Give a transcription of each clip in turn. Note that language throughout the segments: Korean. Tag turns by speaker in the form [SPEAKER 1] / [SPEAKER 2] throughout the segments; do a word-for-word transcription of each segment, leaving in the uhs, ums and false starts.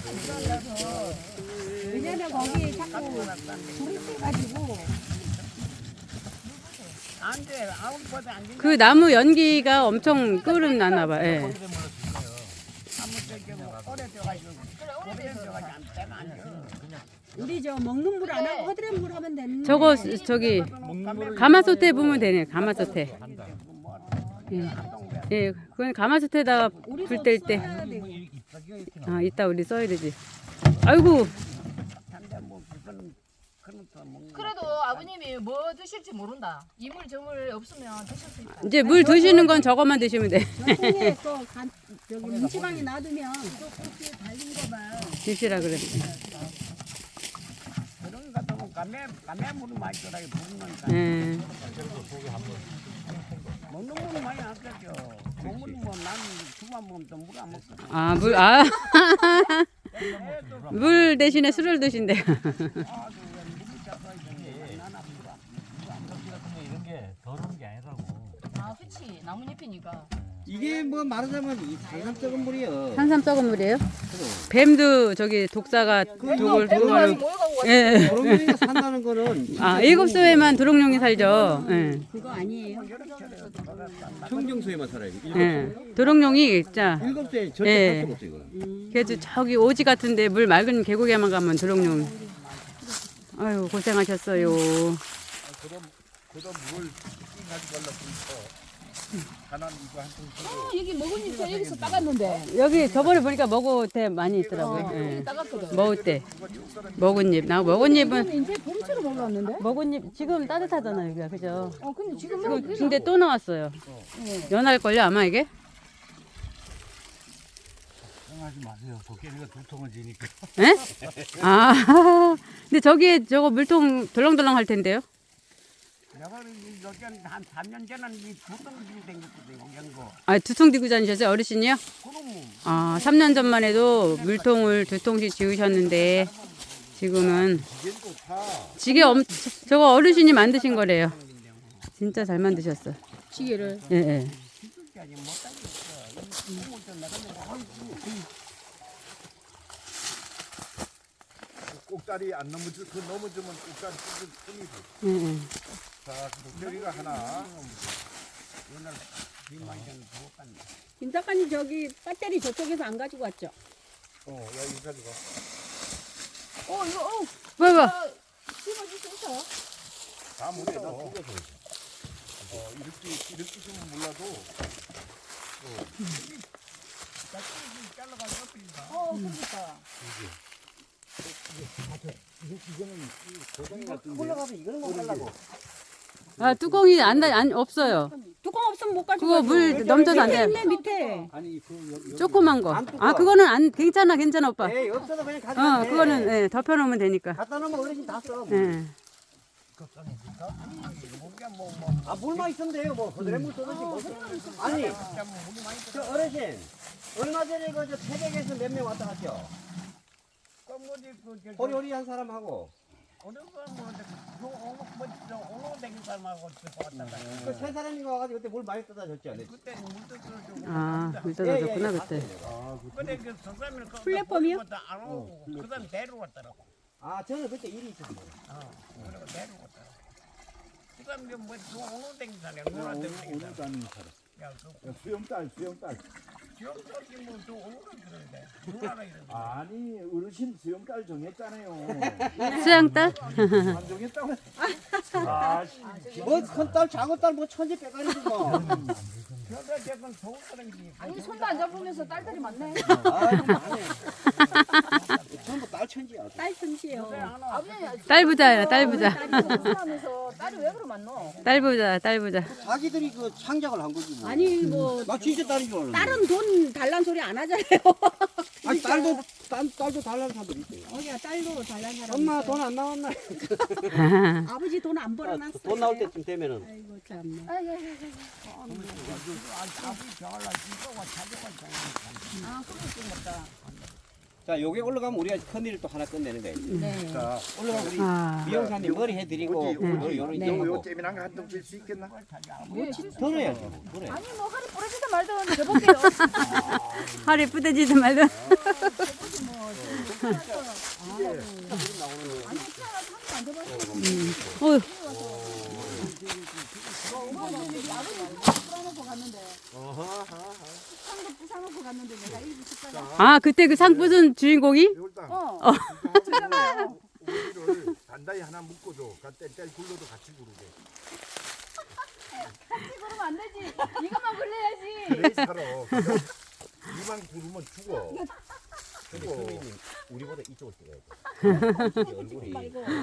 [SPEAKER 1] 왜냐면 거기 자꾸 불이 세가지고.
[SPEAKER 2] 그 나무 연기가 엄청 끓음 나나 봐. 예.
[SPEAKER 1] 우리 저 먹는 물 안 하고 허드렛 물 하면 되는데.
[SPEAKER 2] 저거 저기 가마솥에 부으면 되네. 가마솥에. 예. 예, 그건 가마솥에다가 불 뗄 때. 아, 이따 우리 써야 되지. 아이고.
[SPEAKER 3] 그래도 아버님이 뭐 드실지 모른다. 이물 저물 없으면 드실 수 있다.
[SPEAKER 2] 이제 물 드시는 건 저것만 드시면 돼.
[SPEAKER 1] 저 통에 또 간, 저기 문지방에 놔두면 또 그렇게 달린 거 봐.
[SPEAKER 2] 드시라 그랬어.
[SPEAKER 4] 그런 거 같으면 감에 감에 물을 많이 줘라 부르니까.
[SPEAKER 2] 예.
[SPEAKER 4] 먹는 물은 많이 안 쓰죠. 먹는 뭐 나는 주만 먹으면 또 물 안 먹거든.
[SPEAKER 2] 아, 물, 아. 물 대신에 술을 드신대요.
[SPEAKER 5] 이런 게 더러운 게 아니라고.
[SPEAKER 3] 아, 그치. 나뭇잎이니까.
[SPEAKER 6] 이게 뭐 말하자면 이 산삼 썩은 물이요.
[SPEAKER 2] 산삼 썩은 물이에요? 뱀도 저기 독사가 독을 독을 예.
[SPEAKER 6] 도롱뇽이가 산다는 거는
[SPEAKER 2] 아, 일곱 수에만 도롱뇽이 살죠. 예.
[SPEAKER 1] 그거 아니에요.
[SPEAKER 6] 청정수에만 살아요.
[SPEAKER 2] 예. 도롱뇽이 진짜
[SPEAKER 6] 일곱 수에 절대
[SPEAKER 2] 예.
[SPEAKER 6] 살 수가 없어요. 이거는.
[SPEAKER 2] 그래도 저기 오지 같은데 물 맑은 계곡에만 가면 도롱뇽. 아유, 고생하셨어요.
[SPEAKER 7] 그럼 그다음 물 가지고 가려고 하나 이거 한통
[SPEAKER 3] 어, 여기 먹은 잎 저 여기서 따갔는데.
[SPEAKER 2] 여기 저번에 보니까 먹을 때 많이 있더라고요. 예.
[SPEAKER 3] 따갔거든.
[SPEAKER 2] 먹을 때 먹은 잎. 나 먹은 잎은
[SPEAKER 1] 이제 보리처럼 올라왔는데?
[SPEAKER 2] 먹은 잎 지금 따뜻하잖아요, 여기가. 그죠?
[SPEAKER 3] 어, 근데 지금
[SPEAKER 2] 지금
[SPEAKER 3] 뭐
[SPEAKER 2] 근데 또 나왔어요. 연할 걸요, 아마 이게?
[SPEAKER 5] 걱정하지 마세요. 도깨비가 두 통을 지니까.
[SPEAKER 2] 예? 아. 근데 저기에 저거 물통 덜렁덜렁 할 텐데요.
[SPEAKER 4] 내가 여기 한 삼 년 전에는 이 두덩 들고 댕겼거든 연거.
[SPEAKER 2] 아, 두 통 들고 다니셨어요, 어르신이요?
[SPEAKER 4] 그럼
[SPEAKER 2] 아, 삼 년 전만 해도 물통을 두 통씩 지으셨는데 지금은 지게 엄 저거 어르신이 만드신 거래요. 진짜 잘 만드셨어.
[SPEAKER 1] 지게를.
[SPEAKER 2] 예, 예.
[SPEAKER 7] 꼭다리 안 넘어지 그 넘어지면 꼭다리 뜯을 틈이 돼.
[SPEAKER 2] 예, 예.
[SPEAKER 7] 자, 도깨비가 하나.
[SPEAKER 1] 김 작가님 저기 배터리 저쪽에서 안 가지고 왔죠?
[SPEAKER 7] 어, 야 이거 가져가.
[SPEAKER 3] 어, 이거 어.
[SPEAKER 2] 뭐, 뭐.
[SPEAKER 3] 심어줄 수 있어요?
[SPEAKER 7] 다 못해. 어, 이렇게 이렇게 좀 몰라도.
[SPEAKER 3] 어, 그러니까.
[SPEAKER 6] 올라가서 이거는 못 하려고.
[SPEAKER 2] 아, 뚜껑이 안, 다- 안 없어요.
[SPEAKER 1] 뚜껑 없으면 못 가지고
[SPEAKER 2] 그거
[SPEAKER 1] 왔죠.
[SPEAKER 2] 물 넘쳐서 안
[SPEAKER 1] 밑에
[SPEAKER 2] 돼.
[SPEAKER 1] 있네 밑에.
[SPEAKER 6] 아니 그
[SPEAKER 2] 조그만 거.
[SPEAKER 6] 안 뚜껑.
[SPEAKER 2] 아, 그거는 안 괜찮아, 괜찮아, 오빠.
[SPEAKER 6] 에이 없어도 그냥 가져가.
[SPEAKER 2] 어, 그거는 예, 덮여 놓으면 되니까.
[SPEAKER 6] 갖다 놓으면 어르신 다 써.
[SPEAKER 2] 예.
[SPEAKER 6] 아 물만 있으면 돼요. 뭐 그들의 물 쏘든지 뭐. 아니 저 어르신 얼마 전에 그저 태백에서 몇 명 왔다 갔죠. 호리호리한 사람하고
[SPEAKER 4] 어느 거뭐 오늘 댕긴 사람하고 왔다.
[SPEAKER 6] 그 세 사람이 와가지고 그때 물 많이 떠다 줬지 않았지?
[SPEAKER 4] 그때 물 떠서
[SPEAKER 2] 아, 물
[SPEAKER 6] 예,
[SPEAKER 2] 떨어졌구나,
[SPEAKER 6] 예,
[SPEAKER 2] 그때.
[SPEAKER 4] 근데 그 석사님을
[SPEAKER 1] 플랫폼이요?
[SPEAKER 4] 안 오고 그다음 내려왔더라고.
[SPEAKER 6] 아 저는 그때 일이 있었어요.
[SPEAKER 4] 어, 그리고 내려왔더라고. 그다음 뭐 오늘 댕긴 사람, 오늘 댕긴 사람.
[SPEAKER 7] 다니는 사람.
[SPEAKER 4] 야, 그
[SPEAKER 7] 야, 수영딸, 수영딸.
[SPEAKER 4] 지역적인 뭐또 오늘은 그러는데 누나라 이러는데.
[SPEAKER 7] 아니 어르신 수영딸 정했잖아요.
[SPEAKER 2] 수양딸?
[SPEAKER 7] 안 정했다고. 아, 씨.
[SPEAKER 6] 뭐큰 딸, 작은 딸, 뭐 천지 빼가리지 뭐.
[SPEAKER 4] 저도 저건 좋은 사람이지.
[SPEAKER 3] 아니, 손도 안 잡으면서 딸들이 많네.
[SPEAKER 6] 아이고 많네. 전부 딸 천지야.
[SPEAKER 1] 딸 틈씨요.
[SPEAKER 3] 아버님이
[SPEAKER 2] 딸 부자야, 딸 부자.
[SPEAKER 3] 하면서 딸이 왜 그러 많노?
[SPEAKER 2] 딸 부자, 딸 부자.
[SPEAKER 6] 자기들이 그 창작을 한 거지 뭐.
[SPEAKER 1] 아니 뭐
[SPEAKER 6] 나 진짜 딸인 줄 알았는데.
[SPEAKER 1] 딸은 돈 달란 소리 안 하잖아요.
[SPEAKER 6] 아니 딸도 딸, 딸도 달라는 사람들 있어요.
[SPEAKER 1] 어야 딸도 달란 사람.
[SPEAKER 6] 엄마
[SPEAKER 1] 있어요.
[SPEAKER 6] 돈 안 나왔나?
[SPEAKER 1] 아버지 돈 안 벌어놨어.
[SPEAKER 6] 돈 나올 때쯤 되면은.
[SPEAKER 1] 아이고 참네.
[SPEAKER 3] 아, 그러니까.
[SPEAKER 6] 자, 요게 올라가면 우리가 큰일을 또 하나 끝내는 거예요.
[SPEAKER 1] 네.
[SPEAKER 6] 자, 올라가면 우리
[SPEAKER 2] 아,
[SPEAKER 6] 미용사님 머리 해드리고,
[SPEAKER 7] 어디,
[SPEAKER 6] 요,
[SPEAKER 7] 어디,
[SPEAKER 6] 요런
[SPEAKER 1] 네.
[SPEAKER 6] 이런
[SPEAKER 7] 요, 요
[SPEAKER 6] 거.
[SPEAKER 7] 재미난 거 한 통 줄 수 있겠나?
[SPEAKER 6] 덜어야지. 그래.
[SPEAKER 3] 아니, 뭐, 하루 부러지든 말든 해볼게요.
[SPEAKER 2] 허리 뿌대지도 말든.
[SPEAKER 3] 뭐,
[SPEAKER 2] 어,
[SPEAKER 1] 풀어놓고 갔는데 상도 부사놓고 갔는데 내가 일부 식사가
[SPEAKER 2] 아 그때 그 상 부순 주인공이?
[SPEAKER 7] 매울당.
[SPEAKER 1] 어
[SPEAKER 7] 오이를 단단히 하나 묶어줘. 뗄뗄 굴러도 같이 구르게.
[SPEAKER 3] 그러면 안 되지. 이것만 굴려야지.
[SPEAKER 7] 그래 살아. 이만 구르면 죽어. 죽어.
[SPEAKER 6] 우리보다 이쪽을 찍어야 돼. 얼굴이.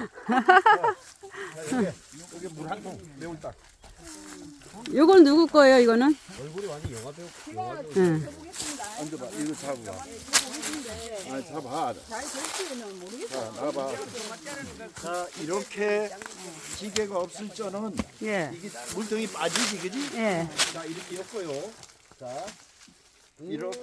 [SPEAKER 7] 이게 이게 물 한 통 매울당.
[SPEAKER 2] 요건 누구 거예요 이거는?
[SPEAKER 6] 얼굴이 완전 영화 배우. 영화 배우.
[SPEAKER 2] 응.
[SPEAKER 7] 앉아봐. 이거 잡아봐. 아 잡아.
[SPEAKER 1] 잘 될지는 모르겠어.
[SPEAKER 7] 자 나봐. 자 이렇게 지게가 없을 적은
[SPEAKER 2] 예.
[SPEAKER 7] 이게 물통이 빠지지 그지?
[SPEAKER 2] 예.
[SPEAKER 7] 자 이렇게 엮어요. 자 이렇게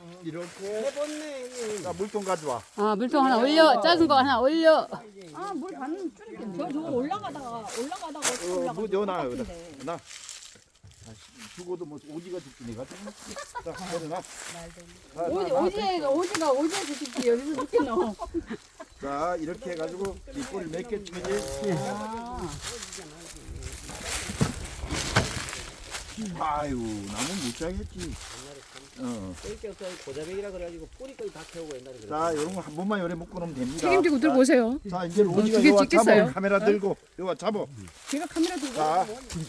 [SPEAKER 7] 이렇게. 자 물통 가져와.
[SPEAKER 2] 아 물통 하나 올려. 작은 거 하나 올려.
[SPEAKER 1] 아물 반 줄이겠네. 저 저거 올라가다가 올라가다가 어떻게
[SPEAKER 7] 어,
[SPEAKER 1] 올라가?
[SPEAKER 7] 뭐 여나 여기다. 나. 죽어도 뭐 오지가 죽지 내가. 자 내려놔. 자,
[SPEAKER 3] 오지
[SPEAKER 7] 나, 나.
[SPEAKER 3] 오지가 오지가 오지에 죽지 여기서 죽겠노.
[SPEAKER 7] 자 이렇게 해가지고 뒷골을 몇 개 쳐지. 아유 나는 못 자겠지. 어.
[SPEAKER 6] 고자백이라 그래가지고 뿌리까지 다 태우고 옛날에 그래.
[SPEAKER 7] 자 이런 거 한 번만 요래 묶어놓으면 됩니다.
[SPEAKER 3] 책임지고 들고 오세요.
[SPEAKER 7] 자 이제 오지가
[SPEAKER 3] 두개
[SPEAKER 7] 요와
[SPEAKER 3] 찍겠어요?
[SPEAKER 7] 잡아. 카메라 들고 요와 잡아.
[SPEAKER 1] 제가 카메라 들고
[SPEAKER 7] 자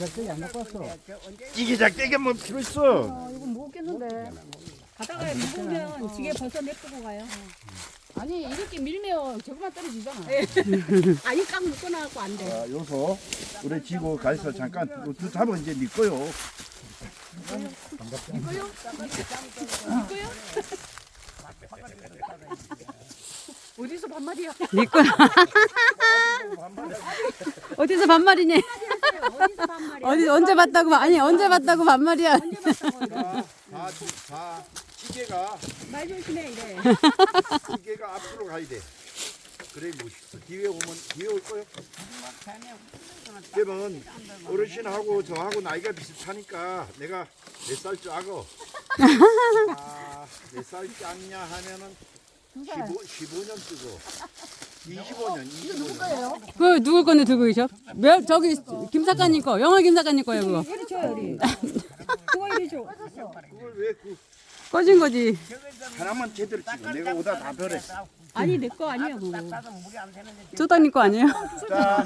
[SPEAKER 7] 이게 작대게 뭐 필요 있어.
[SPEAKER 1] 이거 무겁겠는데. 가다가 무거우면 지게 벌써 내쁘고 가요.
[SPEAKER 3] 아니 이렇게 밀면 저거만 떨어지잖아.
[SPEAKER 1] 아니 깡 묶어놔갖고 안 돼.
[SPEAKER 7] 자 요소 우리 지고 가서 잠깐 또 잡아 이제 네 거요.
[SPEAKER 1] 어디서 반말이야?
[SPEAKER 2] 네 거. 어디서 반말이니?
[SPEAKER 1] 어디서 반말이야?
[SPEAKER 2] 어디 언제 봤다고 아니 언제 봤다고 반말이야.
[SPEAKER 7] 자, 자, 자, 지게가
[SPEAKER 1] 말 조심해 이래.
[SPEAKER 7] 지게가 앞으로 가야 돼. 그래 멋있어. 뒤에 오면 뒤에 올 거요. 그러면 어르신하고 저하고 나이가 비슷하니까 내가 몇 살 짜고 아, 몇 살 짰냐 하면은 십오, 십오 년 쓰고 이십오 년, 이십오 년.
[SPEAKER 2] 그 누구 건데 들고 계셔? 몇 저기 김 작가님 거, 영화 김 작가님 거예요 그거.
[SPEAKER 1] 이리 줘요 이리. 그거 이리 줘.
[SPEAKER 7] 그걸 왜 그
[SPEAKER 2] 꺼진 거지.
[SPEAKER 7] 하나만 제대로 찍어. 내가 오다 다 별했어.
[SPEAKER 1] 아니 내 거 아니야 그거.
[SPEAKER 2] 쪼다님 거 아니에요?
[SPEAKER 7] 자,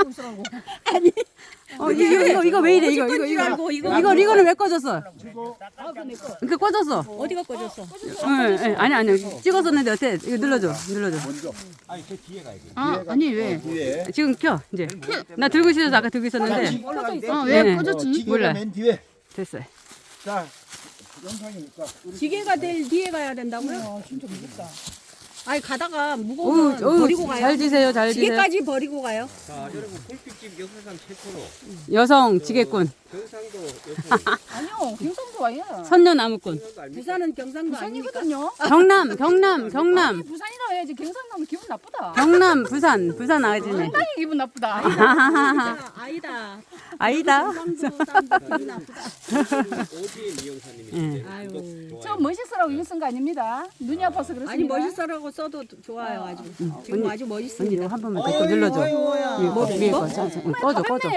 [SPEAKER 2] 어 이거 이거 이거 왜 이래 이거 이거 이거
[SPEAKER 1] 알고 이거.
[SPEAKER 2] 이거 이거는 왜 꺼졌어?
[SPEAKER 1] 아 그거 내 거.
[SPEAKER 2] 이거 꺼졌어.
[SPEAKER 1] 어디가 꺼졌어?
[SPEAKER 2] 응, 응, 아니 아니 찍었었는데 어때? 이거 눌러줘, 눌러줘.
[SPEAKER 7] 먼저
[SPEAKER 6] 아니 저 뒤에 가야 돼.
[SPEAKER 2] 아 아니 왜?
[SPEAKER 7] 뒤에.
[SPEAKER 2] 지금 켜 이제. 나 들고 있어서 아까 들고 있었는데. 어, 왜
[SPEAKER 7] 네.
[SPEAKER 2] 꺼졌지?
[SPEAKER 7] 지게가
[SPEAKER 2] 몰라.
[SPEAKER 7] 맨 뒤에.
[SPEAKER 2] 됐어요.
[SPEAKER 7] 자, 영상이니까.
[SPEAKER 1] 지게가 될 뒤에 가야 된다고요? 진짜 무겁다. 아니 가다가
[SPEAKER 2] 어우,
[SPEAKER 1] 무거우면
[SPEAKER 2] 어우,
[SPEAKER 1] 버리고 가요.
[SPEAKER 2] 잘 지세요, 잘 지세요.
[SPEAKER 1] 지게까지 버리고 가요.
[SPEAKER 6] 자 여러분 꿀빛집 역사상 최초로
[SPEAKER 2] 여성 지게꾼,
[SPEAKER 6] 경상도 여성
[SPEAKER 3] 아니요 경상도 아니야.
[SPEAKER 2] 선녀나무꾼.
[SPEAKER 1] 부산은 경상도 아닙니까?
[SPEAKER 3] 부산이거든요.
[SPEAKER 2] 경남, 경남, 경남,
[SPEAKER 3] 부산이라 해야지 경상도면 기분 나쁘다.
[SPEAKER 2] 경남, 부산, 부산 아지네.
[SPEAKER 3] 상당히 기분 나쁘다.
[SPEAKER 1] 아니다. 아니다.
[SPEAKER 2] 아니다.
[SPEAKER 1] 경상도 사람들 기분 나쁘다.
[SPEAKER 6] 오지의 미영사님이
[SPEAKER 2] 예.
[SPEAKER 1] 아유.
[SPEAKER 3] 저 멋있으라고 이거 쓴 거 아닙니다. 눈이 아파서 그렇습니다.
[SPEAKER 1] 아니 멋있어라고 써도 좋아요 아주. 지금 아주 멋있습니다.
[SPEAKER 2] 언니 이거 한 번만 더 눌러줘.
[SPEAKER 1] 뭐야?
[SPEAKER 2] 위에 거, 위에 거. 자, 자, 꺼줘, 꺼줘.